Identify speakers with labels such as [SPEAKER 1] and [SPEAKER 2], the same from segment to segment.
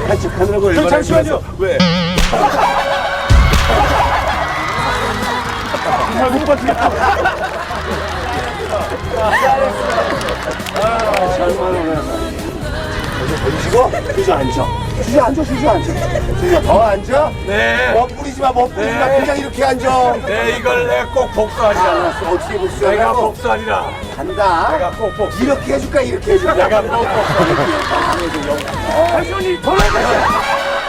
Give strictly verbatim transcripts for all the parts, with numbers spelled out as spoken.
[SPEAKER 1] 착한 척하느라고 얼마나
[SPEAKER 2] 잠시만요.
[SPEAKER 1] 왜?
[SPEAKER 2] 정말 못 버티겠다.
[SPEAKER 1] 던지고 주저앉아. 주저앉아, 주저앉아. 주저 더 앉아?
[SPEAKER 2] 네.
[SPEAKER 1] 멋부리지 마, 멋부리지 마.
[SPEAKER 2] 네.
[SPEAKER 1] 그냥 이렇게 앉아.
[SPEAKER 2] 네, 이걸 내가 꼭 복수하리라.
[SPEAKER 1] 알았어, 어떻게
[SPEAKER 2] 내가
[SPEAKER 1] 복수하라고?
[SPEAKER 2] 복수하리라.
[SPEAKER 1] 간다.
[SPEAKER 2] 내가 꼭 복수.
[SPEAKER 1] 이렇게 해줄까, 이렇게 해줄까?
[SPEAKER 2] 내가 꼭 복수. 당신이 돌아가세요.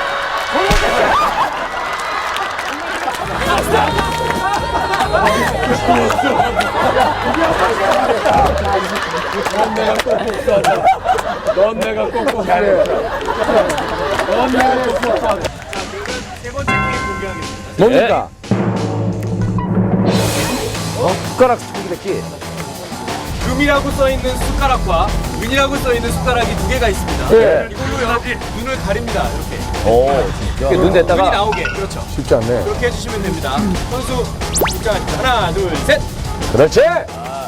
[SPEAKER 2] 넌 내가 꼭 복수한다. 넌 내가 꼭 복수한다. 넌 내가 꼭 복수한다. 세 번째 게임 공개하겠습니다.
[SPEAKER 3] 뭡니까? 어? 숟가락 스피드eki.
[SPEAKER 4] 금이라고 써있는 숟가락과 은이라고 써있는 숟가락이 두 개가 있습니다.
[SPEAKER 3] 네.
[SPEAKER 4] 이걸로 여러분 눈을 가립니다. 이렇게.
[SPEAKER 3] 오, 진짜. 눈
[SPEAKER 4] 눈이
[SPEAKER 3] 댔다가
[SPEAKER 4] 나오게. 그렇죠.
[SPEAKER 3] 쉽지 않네.
[SPEAKER 4] 그렇게 해주시면 됩니다. 선수 입장하십니다. 하나, 둘, 셋.
[SPEAKER 3] 그렇지.
[SPEAKER 4] 네.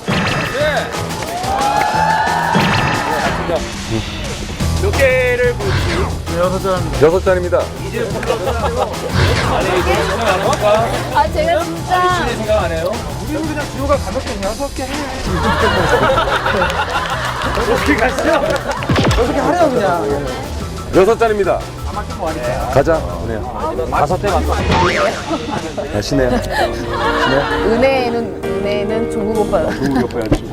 [SPEAKER 4] 몇 개를 보여주세요?
[SPEAKER 2] 여섯 잔.
[SPEAKER 3] 여섯 잔입니다.
[SPEAKER 4] 아니, 이거 생각 안 해볼까?
[SPEAKER 5] 아 제가 진짜
[SPEAKER 4] 신이 생각 안 해요?
[SPEAKER 2] 우리는 그냥 지호가 가볍게 여섯 개 해. 어떻게 가시죠? 여섯 개 하래요 그냥.
[SPEAKER 3] 여섯 잔입니다. 가자, 은혜야. 다섯 대 맞다. 야, 신혜야. 신혜야.
[SPEAKER 5] 은혜는 은혜는 조국 오빠요.
[SPEAKER 3] 중국 옆에 앉히고.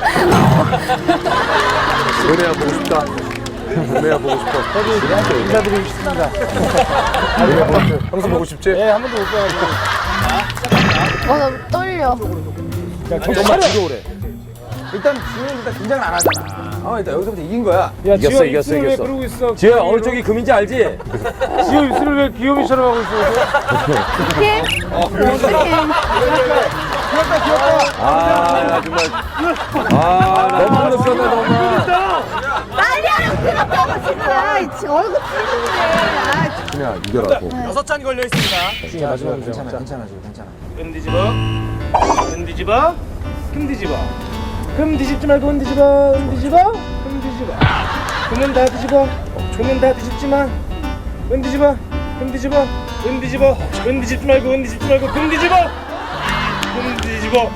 [SPEAKER 3] 은혜야 보고 싶다. 은혜야 보고 싶어. 저기
[SPEAKER 2] 인사드리고 싶습니다.
[SPEAKER 3] 은혜야 보고 싶어. 형수 보고 싶지?
[SPEAKER 2] 네, 한 번도 못 봐가지고.
[SPEAKER 5] 어나 떨려.
[SPEAKER 2] 야, 정말 들어오래. 일단 지호는 일단 긴장을 안 하잖아. 어, 일단 여기서부터 이긴 거야. 야,
[SPEAKER 3] 이겼어,
[SPEAKER 2] 지호
[SPEAKER 3] 이겼어,
[SPEAKER 2] 입술을 왜
[SPEAKER 3] 이겼어.
[SPEAKER 2] 그러고 있어?
[SPEAKER 3] 지효야 어느 쪽이 금인지 알지?
[SPEAKER 2] 지호 입술을 왜 귀요미처럼 하고 있어?
[SPEAKER 5] 어떡해? 어떡해?
[SPEAKER 2] 귀엽다, 귀엽다.
[SPEAKER 3] 아 정말. 아 너무 늦었네 너무.
[SPEAKER 5] 빨리 하라고 그랬다고 지금. 아, 지금 얼굴 찌는데. 아,
[SPEAKER 3] 신혜야 이겨라고.
[SPEAKER 4] 여섯 잔 걸려 있습니다.
[SPEAKER 2] 마지막 괜찮아, 괜찮아, 지호, 괜찮아.
[SPEAKER 6] 금 뒤집어 금 뒤집어 금 뒤집어 금 뒤집지 말고 은 뒤집어 은 뒤집어 금 뒤집어 금은 다 뒤집어 금은 다 뒤집지만 은 뒤집어 금 뒤집어 은 뒤집어 은 뒤집지 말고 은 뒤집지 말고 금 뒤집어 금 뒤집어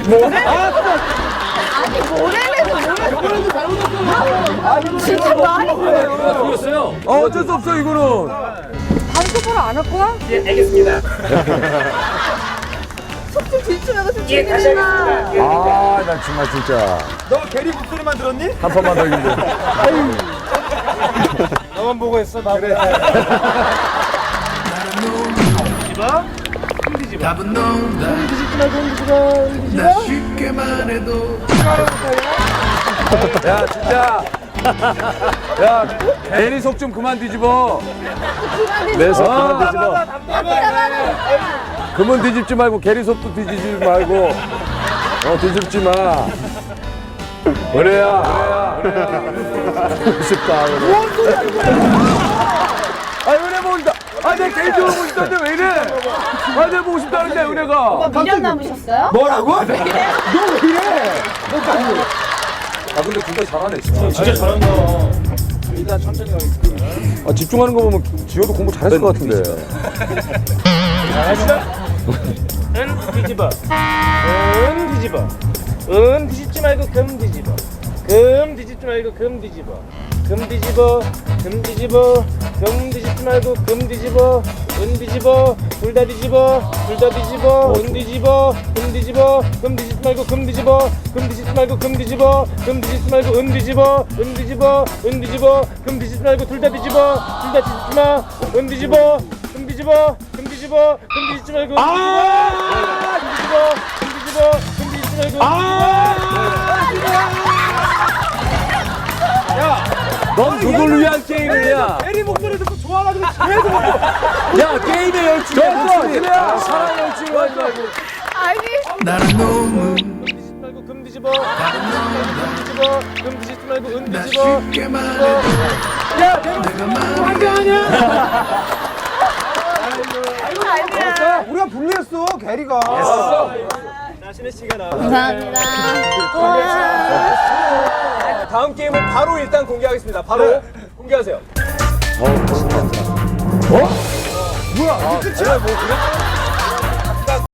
[SPEAKER 5] 아니 뭐래면서 뭐래? 진짜 말이 뭐예요?
[SPEAKER 3] 어 어쩔 수 없어 이거는.
[SPEAKER 5] 다음 똑바로 안 할 거야?
[SPEAKER 6] 예 알겠습니다
[SPEAKER 5] 속좀 뒤집어서 좀 챙겨주나.
[SPEAKER 3] 아나 정말 진짜
[SPEAKER 2] 너 게리 목소리만 들었니?
[SPEAKER 3] 한 판만 더 이긴데.
[SPEAKER 6] 너만 보고 했어 나 그래 뒤집어 금 뒤집어 답은 금 뒤집지 말고 은 뒤집어 은 뒤집어
[SPEAKER 7] 쉽게만 해도
[SPEAKER 3] 야 진짜. 야 괜히 속 좀 그만 뒤집어. 내 속 그만 뒤집어. 그만 뒤집지 말고 게리 속도 뒤집지 말고. 어 뒤집지 마. 은혜야. 은혜야. 보고 싶다. 뭔 소리야? 아 은혜 보고 싶다. 아내 개인적으로 보고 싶다는데 왜 이래? 아내 보고 싶다는데 은혜가.
[SPEAKER 5] 미련 남으셨어요?
[SPEAKER 2] 뭐라고? 너 왜 이래?
[SPEAKER 3] 아 근데 진짜 잘하네 진짜.
[SPEAKER 6] 진짜 잘한다
[SPEAKER 2] 일단 천천히 가겠습니다.
[SPEAKER 3] 아, 집중하는 거 보면 지효도 공부 잘했을 것 같은데.
[SPEAKER 6] 은 뒤집어 은 뒤집어 은 뒤집지 말고 금 뒤집어 금 뒤집지 말고 금 뒤집어 금 뒤집어 금 뒤집어 금 뒤집지 말고 금 뒤집어 은 뒤집어 둘 다 뒤집어 둘 다 뒤집어 은 뒤집어 금 뒤집어 금 뒤집지 말고 금 뒤집어 금 뒤집지 말고 금 뒤집어 금 뒤집지 말고 은 뒤집어 은 뒤집어 은 뒤집어 금 뒤집지 말고 둘 다 뒤집어 둘 다 뒤집지 마은 뒤집어 금 뒤집어 금 뒤집어 금 뒤집지 말고 은 뒤집어 금 뒤집어 금 뒤집어 금 뒤집지 말고
[SPEAKER 3] 넌 누굴 위한 게임이냐?
[SPEAKER 2] 게리 목소리 듣고 좋아가지고 계속
[SPEAKER 3] 야 게임의 열중이야 목소리. 사랑의 열중을 하지 말고.
[SPEAKER 5] 아니
[SPEAKER 7] 나는 너무
[SPEAKER 6] 금 뒤집지 말고 금 뒤집어 금 뒤집어 금 뒤집지 말고 은
[SPEAKER 7] 나
[SPEAKER 6] 뒤집어
[SPEAKER 7] 쉽게만 해도 내가 마음이
[SPEAKER 5] 아니야.
[SPEAKER 2] 우리가 불리했어, 게리가.
[SPEAKER 6] 자 신혜 씨가 나
[SPEAKER 5] 감사합니다. 와.
[SPEAKER 4] 다음 게임은 바로 일단 공개하겠습니다. 바로 공개하세요.
[SPEAKER 3] 어, 뭐야? 이게 끝이야? 뭐 그래?